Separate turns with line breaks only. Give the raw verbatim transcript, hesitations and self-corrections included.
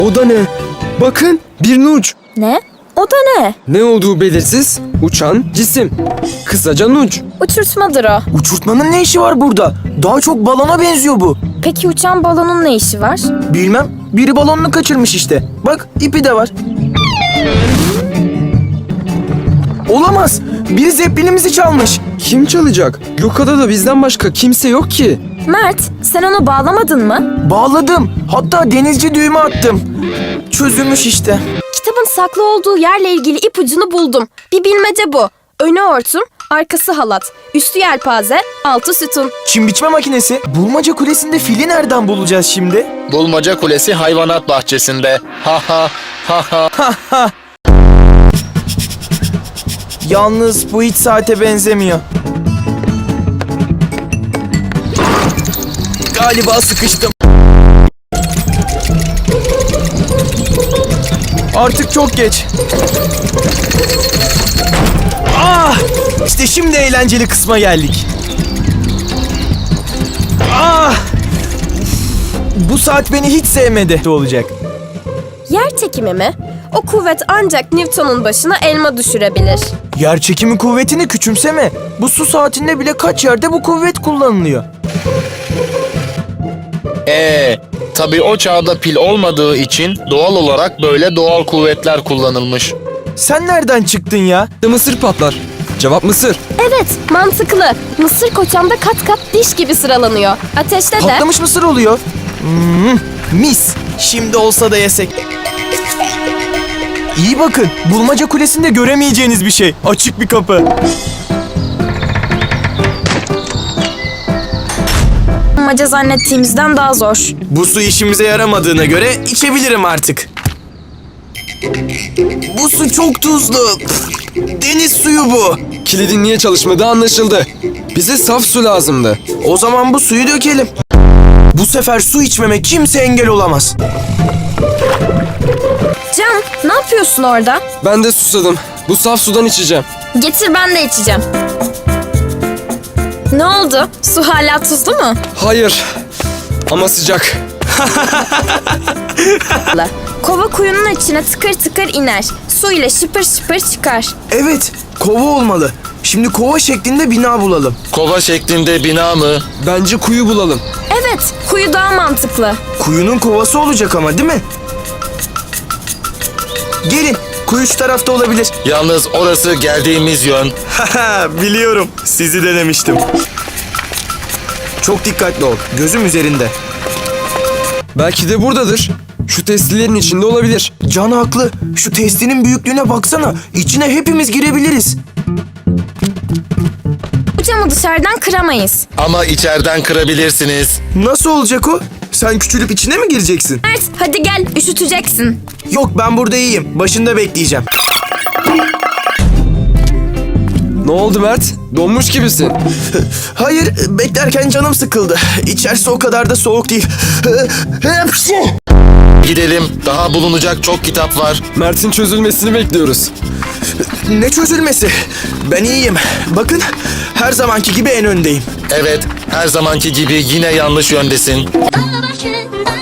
O da ne? Bakın, bir nuç.
Ne? O da ne?
Ne olduğu belirsiz, uçan cisim. Kısaca nuç.
Uçurtmadır o.
Uçurtmanın ne işi var burada? Daha çok balona benziyor bu.
Peki uçan balonun ne işi var?
Bilmem. Biri balonunu kaçırmış işte. Bak ipi de var. Olamaz. Biri zeplinimizi çalmış.
Kim çalacak? Gökada'da bizden başka kimse yok ki.
Mert, sen onu bağlamadın mı?
Bağladım. Hatta denizci düğme attım. Çözülmüş işte.
Kitabın saklı olduğu yerle ilgili ipucunu buldum. Bir bilmece bu. Önü hortum, arkası halat, üstü yelpaze, altı sütun.
Çim biçme makinesi. Bulmaca Kulesi'nde fili nereden bulacağız şimdi?
Bulmaca Kulesi hayvanat bahçesinde. Ha ha ha ha.
Yalnız bu hiç saate benzemiyor. Galiba sıkıştım. Artık çok geç. Ah! İşte şimdi eğlenceli kısma geldik. Ah! Bu saat beni hiç sevmedi olacak.
Yer çekimi mi? O kuvvet ancak Newton'un başına elma düşürebilir.
Yer çekimi kuvvetini küçümseme. Bu su saatinde bile kaç yerde bu kuvvet kullanılıyor.
Ee, tabii o çağda pil olmadığı için doğal olarak böyle doğal kuvvetler kullanılmış.
Sen nereden çıktın ya?
Mısır patlar. Cevap mısır.
Evet, mantıklı. Mısır koçamda kat kat diş gibi sıralanıyor. Ateşte de...
Patlamış mısır oluyor. Hmm, mis. Şimdi olsa da yesek. İyi bakın. Bulmaca Kulesi'nde göremeyeceğiniz bir şey. Açık bir kapı.
Maca zannettiğimizden daha zor.
Bu su işimize yaramadığına göre içebilirim artık. Bu su çok tuzlu. Deniz suyu bu.
Kilidin niye çalışmadığı anlaşıldı. Bize saf su lazımdı.
O zaman bu suyu dökelim. Bu sefer su içmeme kimse engel olamaz.
Can, ne yapıyorsun orada?
Ben de susadım. Bu saf sudan içeceğim.
Getir ben de içeceğim. Ne oldu? Su hala tuzlu mu?
Hayır. Ama sıcak.
Kova kuyunun içine tıkır tıkır iner. Su ile şıpır şıpır çıkar.
Evet, kova olmalı. Şimdi kova şeklinde bina bulalım.
Kova şeklinde bina mı?
Bence kuyu bulalım.
Evet, kuyu daha mantıklı.
Kuyunun kovası olacak ama değil mi? Gelin, kuyu şu tarafta olabilir.
Yalnız orası geldiğimiz yön.
Biliyorum, sizi denemiştim. Çok dikkatli ol, gözüm üzerinde.
Belki de buradadır. Şu testilerin içinde olabilir.
Can haklı, şu testinin büyüklüğüne baksana. İçine hepimiz girebiliriz.
Bu camı dışarıdan kıramayız.
Ama içeriden kırabilirsiniz.
Nasıl olacak o? Sen küçülüp içine mi gireceksin?
Mert, hadi gel, üşüteceksin.
Yok, ben burada iyiyim. Başında bekleyeceğim.
Ne oldu Mert? Donmuş gibisin.
Hayır, beklerken canım sıkıldı. İçerisi o kadar da soğuk değil.
Gidelim. Daha bulunacak çok kitap var.
Mert'in çözülmesini bekliyoruz.
Ne çözülmesi? Ben iyiyim. Bakın, her zamanki gibi en öndeyim.
Evet, her zamanki gibi yine yanlış yöndesin.
Dağ başında